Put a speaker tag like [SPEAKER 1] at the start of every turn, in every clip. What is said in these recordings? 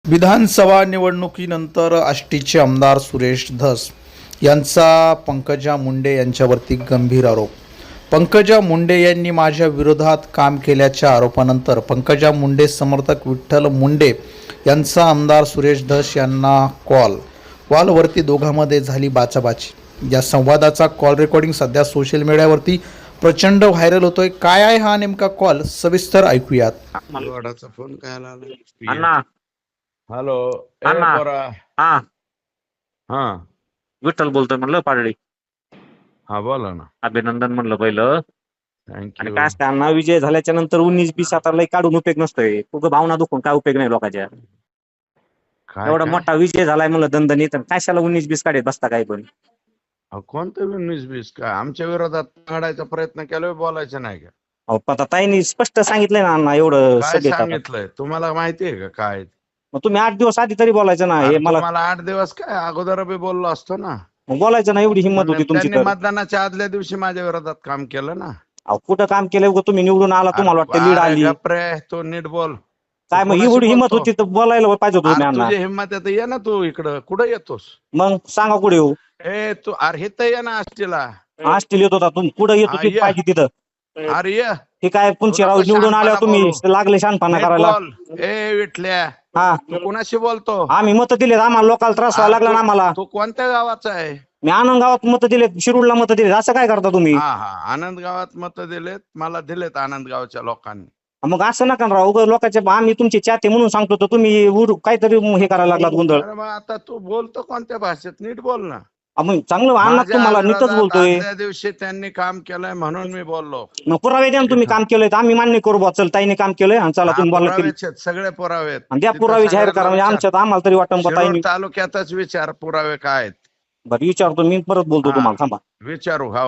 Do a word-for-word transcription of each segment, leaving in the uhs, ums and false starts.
[SPEAKER 1] विधानसभा निवडणुकीनंतर आष्टीचे आमदार सुरेश धस यांचा पंकजा मुंडे यांच्यावरती गंभीर आरोप. पंकजा मुंडे यांनी माझ्या विरोधात काम केल्याच्या आरोपानंतर पंकजा मुंडे समर्थक विठ्ठल मुंडे यांचा आमदार सुरेश धस यांना कॉल कॉलवरती दोघांमध्ये झाली बाचाबाची. या संवादाचा कॉल रेकॉर्डिंग सध्या सोशल मीडियावरती प्रचंड व्हायरल होतोय. काय आहे हा नेमका कॉल, सविस्तर ऐकूयात.
[SPEAKER 2] वडाचा फोन काय आला?
[SPEAKER 3] अण्णा
[SPEAKER 2] हॅलो ए
[SPEAKER 3] अण्णा.
[SPEAKER 2] पोरा.
[SPEAKER 3] हा
[SPEAKER 2] हा
[SPEAKER 3] विठ्ठल बोलतोय म्हणलं पाडळी.
[SPEAKER 2] हा बोला ना.
[SPEAKER 3] अभिनंदन म्हणलं पहिलं. आणि
[SPEAKER 2] थँक्यू.
[SPEAKER 3] काय असतं अण्णा, विजय झाल्याच्या नंतर उन्नीस बीस आता लय काढून उपयोग नसतोय. तुझं भावना दुखून काय उपयोग नाही लोकांच्या.
[SPEAKER 2] काय
[SPEAKER 3] एवढा
[SPEAKER 2] काय?
[SPEAKER 3] मोठा विजय झालाय म्हणलं दणदणीत, आणि कशाला उन्नीस बीस काढत बसता काय पण.
[SPEAKER 2] अहो, कोणतं उन्नीस बीस काय आमच्या विरोधात काढायचा प्रयत्न केला, बोलायचं नाही का?
[SPEAKER 3] अहो पण ताईंनी स्पष्ट सांगितलंय ना अण्णा, एवढं
[SPEAKER 2] काय
[SPEAKER 3] सगळे आता.
[SPEAKER 2] सांगितलंय तुम्हाला माहितीये का काय?
[SPEAKER 3] मग तुम्ही आठ दिवस आधी तरी बोलायचं ना. हे
[SPEAKER 2] अरे
[SPEAKER 3] मला
[SPEAKER 2] तुम्हाला आठ दिवस काय अगोदर बी बोललो असतो ना.
[SPEAKER 3] मग बोलायचं ना, एवढी हिंमत होती तुमची
[SPEAKER 2] त्यांनी
[SPEAKER 3] तर.
[SPEAKER 2] मतदानाच्या आदल्या दिवशी माझ्या विरोधात काम केलं ना.
[SPEAKER 3] अहो कुठं काम केलंय उगाच तुम्ही निवडून आला, तुम्हाला वाटतं लीड
[SPEAKER 2] अरे
[SPEAKER 3] आली
[SPEAKER 2] गप्प रे, तू नीट बोल.
[SPEAKER 3] काय. मग
[SPEAKER 2] कोणाशी
[SPEAKER 3] एवढी हिंमत
[SPEAKER 2] बोलतो?
[SPEAKER 3] होती तर बोलायला पाहिजे होतं तुम्ही
[SPEAKER 2] अरे
[SPEAKER 3] अण्णा.
[SPEAKER 2] तुझी हिंमत आहे तर ये ना तू इकडं. कुठं येतोस?
[SPEAKER 3] मग सांगा कुठे येऊ.
[SPEAKER 2] ए तू अरे इथं ये ना आष्टीला.
[SPEAKER 3] आष्टील येत होता तुम्ही, कुठं येत
[SPEAKER 2] हा,
[SPEAKER 3] होती
[SPEAKER 2] ये.
[SPEAKER 3] पाहिजे तिथं.
[SPEAKER 2] अरे ये.
[SPEAKER 3] हे काय पुंचीराव
[SPEAKER 2] नको
[SPEAKER 3] निवडून आल्यावर
[SPEAKER 2] शहाणपणा
[SPEAKER 3] तुम्ही
[SPEAKER 2] बोलू.
[SPEAKER 3] लागले शहाणपणा
[SPEAKER 2] नीट
[SPEAKER 3] करायला.
[SPEAKER 2] बोल. ए विठल्या,
[SPEAKER 3] हा
[SPEAKER 2] तू कुणाशी बोलतो?
[SPEAKER 3] आम्ही मत दिलेत, आम्हाला लोकांना त्रास व्हायला लागला ना आम्हाला.
[SPEAKER 2] तू कोणत्या गावाचा आहे?
[SPEAKER 3] मी आनंद गावात मत दिलेत, शिरूरला मत दिलेत. असं काय करता तुम्ही?
[SPEAKER 2] हा हा आनंद गावात मत दिलेत, मला दिलेत आनंद गावच्या लोकांनी.
[SPEAKER 3] मग असं नका ना राव. उगाच लोकांच्या, आम्ही तुमचे चाहते म्हणून सांगतो तर तुम्ही उर- काहीतरी हे करायला लागलात गोंधळ.
[SPEAKER 2] अरे मग आता तू बोलतो कोणत्या भाषेत? नीट बोल ना.
[SPEAKER 3] अहो, मग चांगलं अण्णा,
[SPEAKER 2] माझ्या
[SPEAKER 3] तुम्हाला नीटच
[SPEAKER 2] विरोधात
[SPEAKER 3] बोलतोय.
[SPEAKER 2] आदल्या दिवशी त्यांनी काम केलंय म्हणून मी बोललो.
[SPEAKER 3] मग पुरावे द्या ना, तुम्ही काम केलंय तर आम्ही मान्य करू. बा चल ताईने काम केलंय आणि चला
[SPEAKER 2] हा,
[SPEAKER 3] तुम्ही बोलला केली.
[SPEAKER 2] पुरावेच आहेत, सगळे पुरावे आहेत.
[SPEAKER 3] आणि द्या
[SPEAKER 2] तिथं
[SPEAKER 3] पुरावे जाहीर करा,
[SPEAKER 2] सगळ्यांना
[SPEAKER 3] म्हणजे
[SPEAKER 2] विचार.
[SPEAKER 3] आमच्यात आम्हाला तरी वाटतं बा
[SPEAKER 2] शिरूर
[SPEAKER 3] ताईने.
[SPEAKER 2] तालुक्यातच विचार पुरावे काय आहेत.
[SPEAKER 3] बरं विचारतो मी, परत बोलतो
[SPEAKER 2] हा.
[SPEAKER 3] तुम्हाला. थांबा.
[SPEAKER 2] विचारू. हा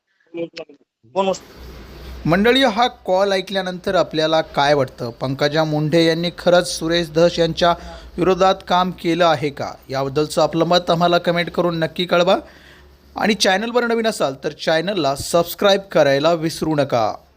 [SPEAKER 3] कोण
[SPEAKER 1] मंडळी, हा कॉल ऐकल्यानंतर आपल्याला काय वाटतं? पंकजा मुंडे यांनी खरंच सुरेश धस यांच्या विरोधात काम केलं आहे का? याबद्दलचं आपलं मत आम्हाला कमेंट करून नक्की कळवा. आणि चॅनलवर नवीन असाल तर चॅनलला सबस्क्राईब करायला विसरू नका.